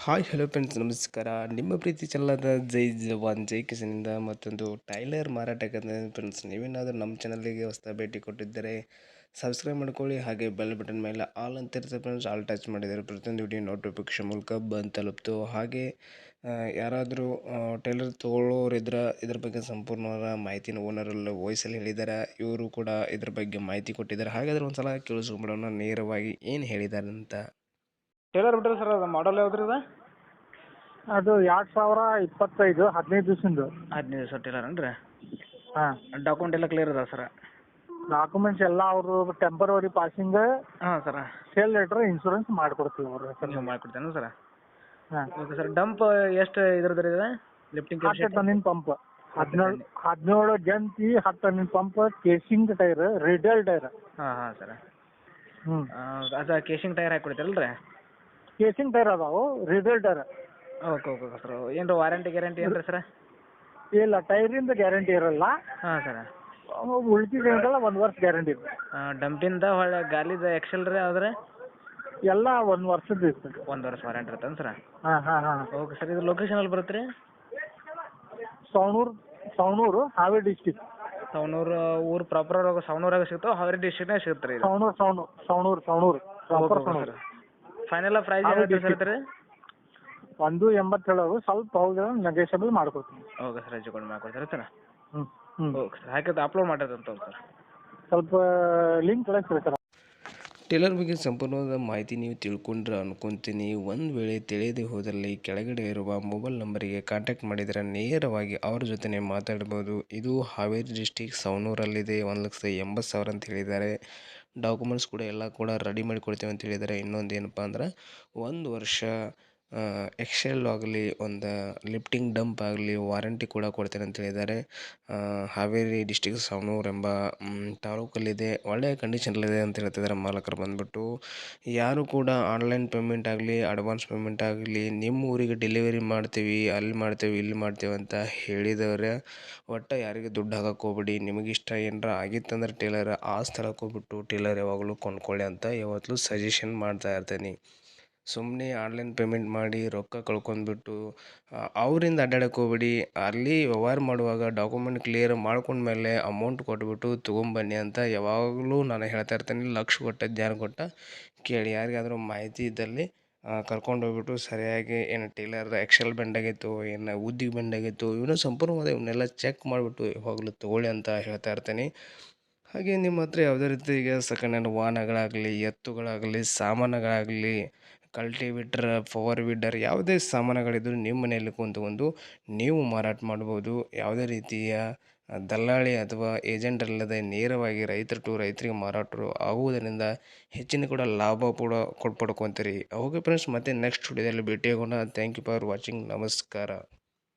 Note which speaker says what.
Speaker 1: Hi hello friends ನಮಸ್ಕಾರ. ನಿಮ್ಮ ಪ್ರೀತಿ ಚೆಲ್ಲದ ಜೈ ಜವಾನ್ ಜೈ ಕಿಸನಿಂದ ಮತ್ತೊಂದು ಟೈಲರ್ ಮಾರಾಟಕ್ಕೆ ಫ್ರೆಂಡ್ಸ್. ನೀವೇನಾದರೂ ನಮ್ಮ ಚಾನಲ್ಗೆ ಹೊಸ ಭೇಟಿ ಕೊಟ್ಟಿದ್ದರೆ ಸಬ್ಸ್ಕ್ರೈಬ್ ಮಾಡ್ಕೊಳ್ಳಿ, ಹಾಗೆ ಬೆಲ್ ಬಟನ್ ಮೇಲೆ ಆಲ್ ಅಂತ ಇರುತ್ತೆ ಫ್ರೆಂಡ್ಸ್. ಆಲ್ ಟಚ್ ಮಾಡಿದರೆ ಪ್ರತಿಯೊಂದು ವಿಡಿಯೋ ನೋಟಿಫಿಕೇಶನ್ ಮೂಲಕ ಬಂದು ತಲುಪ್ತು. ಹಾಗೆ ಯಾರಾದರೂ ಟೈಲರ್ ತೊಗೊಳ್ಳೋರಿದ್ರೆ ಇದ್ರ ಬಗ್ಗೆ ಸಂಪೂರ್ಣವಾದ ಮಾಹಿತಿನ ಓನರಲ್ಲಿ ವಾಯ್ಸಲ್ಲಿ ಹೇಳಿದ್ದಾರೆ. ಇವರು ಕೂಡ ಇದ್ರ ಬಗ್ಗೆ ಮಾಹಿತಿ ಕೊಟ್ಟಿದ್ದಾರೆ. ಹಾಗಾದರೆ ಒಂದು ಸಲ ಕೇಳಿಸ್ಕೊಂಬಿಡೋಣ ನೇರವಾಗಿ ಏನು ಹೇಳಿದ್ದಾರೆ ಅಂತ.
Speaker 2: ಟೇಲರ್ ಬಿಟ್ರಿ ಸರ್, ಅದು ಮಾಡಲ್ ಯಾವ್ದ್ರಿ ಇದು?
Speaker 3: ಅದು 2025 15 ದಿವಸದ್ದು.
Speaker 2: 15 ದಿವಸ ಟೇಲರ್ ಏನ್ರಿ?
Speaker 3: ಹಾಂ,
Speaker 2: ಡಾಕ್ಯುಮೆಂಟ್ ಎಲ್ಲ ಕ್ಲಿಯರ್ ಅದ ಸರ್?
Speaker 3: ಡಾಕ್ಯುಮೆಂಟ್ಸ್ ಎಲ್ಲ ಅವರು ಟೆಂಪರರಿ ಪಾಸಿಂಗ್,
Speaker 2: ಹಾಂ ಸರ್.
Speaker 3: ಸೇಲ್ ಲೆಟ್ರ್, ಇನ್ಶೂರೆನ್ಸ್ ಮಾಡಿಕೊಡ್ತೀವಿ ಅವರು ಹೆಸರು.
Speaker 2: ನೀವು ಮಾಡಿಕೊಡ್ತೇನೆ ಸರ್?
Speaker 3: ಹಾಂ,
Speaker 2: ಓಕೆ ಸರ್. ಡಂಪ್ ಎಷ್ಟು ಇದ್ರದ್ದು ಇದೆ ಲಿಫ್ಟಿಂಗ್?
Speaker 3: 10 ಟನ್ನಿನ ಪಂಪ್, 17 ಜಂತಿ, 10 ಟನ್ನಿನ pump, casing tyre, radial tyre.
Speaker 2: ಹಾಂ ಹಾಂ ಸರ್.
Speaker 3: ಹ್ಞೂ,
Speaker 2: ಅದು ಕೇಸಿಂಗ್ ಟೈರ್ ಹಾಕಿ ಕೊಡ್ತೀರಲ್ಲ ರೀ?
Speaker 3: ಕೇಸಿಂಗ್ ಟೈರ್ ಅದಾವು, radial tyre.
Speaker 2: Okay okay sir. ಏನು ವಾರಂಟಿ ಗ್ಯಾರಂಟಿ ಏನು ರೀ ಸರ್?
Speaker 3: ಇಲ್ಲ, ಟೈರಿಂದ ಗ್ಯಾರಂಟಿ ಇರಲ್ಲ.
Speaker 2: ಹಾಂ ಸರ್.
Speaker 3: ಉಳ್ಕಿದೆಲ್ಲ 1 ವರ್ಷ ಗ್ಯಾರಂಟಿ ಇದೆ.
Speaker 2: ಡಂಪಿಂದ ಹೊಳ್ಳೆ ಗಾಲಿದ ಎಕ್ಸೆಲ್ ರೀ ಯಾವ್ದು?
Speaker 3: ಎಲ್ಲ 1 ವರ್ಷದ್ದು ಇರ್ತದೆ.
Speaker 2: 1 ವರ್ಷ ವಾರಂಟಿ ಇರ್ತೇನೆ ಸರ್?
Speaker 3: ಹಾಂ ಹಾಂ ಹಾಂ.
Speaker 2: Okay sir. ಇದು ಲೊಕೇಶನ್ ಎಲ್ಲಿ ಬರುತ್ತೆ ರೀ?
Speaker 3: ಸವಣೂರು, ಹಾವೇರಿ ಡಿಸ್ಟಿಕ್.
Speaker 2: ಸವಣೂರು ಊರು ಪ್ರಾಪರ್ ಸವಣೂರಾಗ ಸಿಗ್ತಾವೆ, ಹಾವೇರಿ ಡಿಸ್ಟ್ರಿಕ್ನಾಗ ಸಿಗುತ್ತೆ ರೀ ಇದು?
Speaker 3: Savanur proper
Speaker 2: okay
Speaker 3: Savanur.
Speaker 2: Sir. Final price ಏನು ಸರ್?
Speaker 3: 180 ಹೇಳೋದು, ಸ್ವಲ್ಪ ಹೌದು ನೆಗೋಷಿಯಬಲ್ ಮಾಡ್ಕೊಡ್ತೀನಿ.
Speaker 2: ಓಕೆ ಸರ್, ಹೆಚ್ಚು ಕಡಿಮೆ ಮಾಡ್ಕೊಡ್ತಾರೆ ಸರ್?
Speaker 3: ಹ್ಞೂ ಹ್ಞೂ.
Speaker 2: Okay sir. ಹಾಕಿದ್ದು ಅಪ್ಲೋಡ್ ಮಾಡಿರೋದಂತ ಸರ್?
Speaker 3: ಸ್ವಲ್ಪ ಲಿಂಕ್ ಕಳಿಸ್ರಿ ಸರ್.
Speaker 1: ಟೇಲರ್ ಬಗ್ಗೆ ಸಂಪೂರ್ಣವಾದ ಮಾಹಿತಿ ನೀವು ತಿಳ್ಕೊಂಡ್ರೆ ಅನ್ಕೊತೀನಿ. ಒಂದು ವೇಳೆ ತಿಳಿಯದೆ ಹೋದಲ್ಲಿ ಕೆಳಗಡೆ ಇರುವ ಮೊಬೈಲ್ ನಂಬರಿಗೆ ಕಾಂಟ್ಯಾಕ್ಟ್ ಮಾಡಿದರೆ ನೇರವಾಗಿ ಅವ್ರ ಜೊತೆ ಮಾತಾಡ್ಬೋದು. ಇದು ಹಾವೇರಿ ಡಿಸ್ಟಿಕ್ ಸವಣೂರಲ್ಲಿದೆ. 1,80,000 ಅಂತ ಹೇಳಿದ್ದಾರೆ. ಡಾಕ್ಯುಮೆಂಟ್ಸ್ ಕೂಡ ಎಲ್ಲ ಕೂಡ ರೆಡಿ ಮಾಡಿ ಕೊಡ್ತೇವೆ ಅಂತ ಹೇಳಿದ್ದಾರೆ. ಇನ್ನೊಂದು ಏನಪ್ಪ ಅಂದ್ರೆ 1 ವರ್ಷ ಎಕ್ಸೆಲ್ ಆಗಲಿ, ಒಂದು ಲಿಫ್ಟಿಂಗ್ ಡಂಪ್ ಆಗಲಿ ವಾರಂಟಿ ಕೂಡ ಕೊಡ್ತೇನೆ ಅಂತ ಹೇಳಿದ್ದಾರೆ. ಹಾವೇರಿ ಡಿಸ್ಟಿಕ್ ಸವಣೂರು ಎಂಬ ತಾಲೂಕಲ್ಲಿದೆ. ಒಳ್ಳೆಯ ಕಂಡೀಷನಲ್ಲಿದೆ ಅಂತ ಹೇಳ್ತಿದ್ದಾರೆ ಮಾಲಕರು ಬಂದುಬಿಟ್ಟು. ಯಾರು ಕೂಡ ಆನ್ಲೈನ್ ಪೇಮೆಂಟ್ ಆಗಲಿ, ಅಡ್ವಾನ್ಸ್ ಪೇಮೆಂಟ್ ಆಗಲಿ, ನಿಮ್ಮ ಊರಿಗೆ ಡೆಲಿವರಿ ಮಾಡ್ತೀವಿ, ಅಲ್ಲಿ ಮಾಡ್ತೇವೆ, ಇಲ್ಲಿ ಮಾಡ್ತೇವೆ ಅಂತ ಹೇಳಿದವ್ರೆ ಒಟ್ಟು ಯಾರಿಗೆ ದುಡ್ಡು ಹಾಕಕ್ಕೆ ಹೋಗ್ಬೇಡಿ. ನಿಮಗಿಷ್ಟ ಏನಾರ ಆಗಿತ್ತಂದ್ರೆ ಟೇಲರ್ ಆ ಸ್ಥಳಕ್ಕೆ ಹೋಗ್ಬಿಟ್ಟು ಟೇಲರ್ ಯಾವಾಗಲೂ ಕೊಂಡ್ಕೊಳ್ಳಿ ಅಂತ ಯಾವತ್ತೂ ಸಜೆಷನ್ ಮಾಡ್ತಾ ಇರ್ತೀನಿ. ಸುಮ್ಮನೆ ಆನ್ಲೈನ್ ಪೇಮೆಂಟ್ ಮಾಡಿ ರೊಕ್ಕ ಕಳ್ಕೊಂಡ್ಬಿಟ್ಟು ಅವರಿಂದ ಅಡ್ಡಾಡಕ್ಕೆ ಹೋಗ್ಬೇಡಿ. ಅಲ್ಲಿ ವ್ಯವಹಾರ ಮಾಡುವಾಗ ಡಾಕ್ಯುಮೆಂಟ್ ಕ್ಲಿಯರ್ ಮಾಡ್ಕೊಂಡ್ಮೇಲೆ ಅಮೌಂಟ್ ಕೊಟ್ಬಿಟ್ಟು ತೊಗೊಂಬನ್ನಿ ಅಂತ ಯಾವಾಗಲೂ ನಾನು ಹೇಳ್ತಾ ಇರ್ತೀನಿ. ಲಕ್ಷ ಕೊಟ್ಟ ಜ್ಞಾನ ಕೊಟ್ಟ ಕೇಳಿ. ಯಾರಿಗಾದರೂ ಮಾಹಿತಿ ಇದ್ದಲ್ಲಿ ಕರ್ಕೊಂಡು ಹೋಗ್ಬಿಟ್ಟು ಸರಿಯಾಗಿ ಏನು ಟೇಲರ್ ಎಕ್ಸೆಲ್ ಬೆಂಡ್ ಆಗಿತ್ತು, ಏನು ಉದ್ದಿಗೆ ಬೆಂಡ್ ಆಗಿತ್ತು, ಇವನ್ನ ಸಂಪೂರ್ಣವಾದ ಇವನ್ನೆಲ್ಲ ಚೆಕ್ ಮಾಡಿಬಿಟ್ಟು ಯಾವಾಗಲೂ ತೊಗೊಳ್ಳಿ ಅಂತ ಹೇಳ್ತಾ ಇರ್ತೀನಿ. ಹಾಗೆ ನಿಮ್ಮ ಹತ್ರ ಯಾವುದೇ ರೀತಿ ಈಗ ಸೆಕೆಂಡ್ ಹ್ಯಾಂಡ್ ವಾಹನಗಳಾಗಲಿ, ಎತ್ತುಗಳಾಗಲಿ, ಸಾಮಾನುಗಳಾಗಲಿ, ಕಲ್ಟಿವೇಟರ್, ಪವರ್ ವೀಡರ್ ಯಾವುದೇ ಸಾಮಾನುಗಳಿದ್ದರೂ ನಿಮ್ಮ ಮನೆಯಲ್ಲಿ ಕುಂತ್ಕೊಂಡು ನೀವು ಮಾರಾಟ ಮಾಡ್ಬೋದು. ಯಾವುದೇ ರೀತಿಯ ದಲ್ಲಾಳಿ ಅಥವಾ ಏಜೆಂಟ್ ಅಲ್ಲದೆ ನೇರವಾಗಿ ರೈತರು ಟು ರೈತರಿಗೆ ಮಾರಾಟರು ಆಗುವುದರಿಂದ ಹೆಚ್ಚಿನ ಕೂಡ ಲಾಭ ಕೂಡ ಪಡ್ಕೊತೀರಿ. ಓಕೆ ಫ್ರೆಂಡ್ಸ್, ಮತ್ತೆ ನೆಕ್ಸ್ಟ್ ವಿಡಿಯೋದಲ್ಲಿ ಭೇಟಿಯಾಗೋಣ. Thank you for watching. ನಮಸ್ಕಾರ.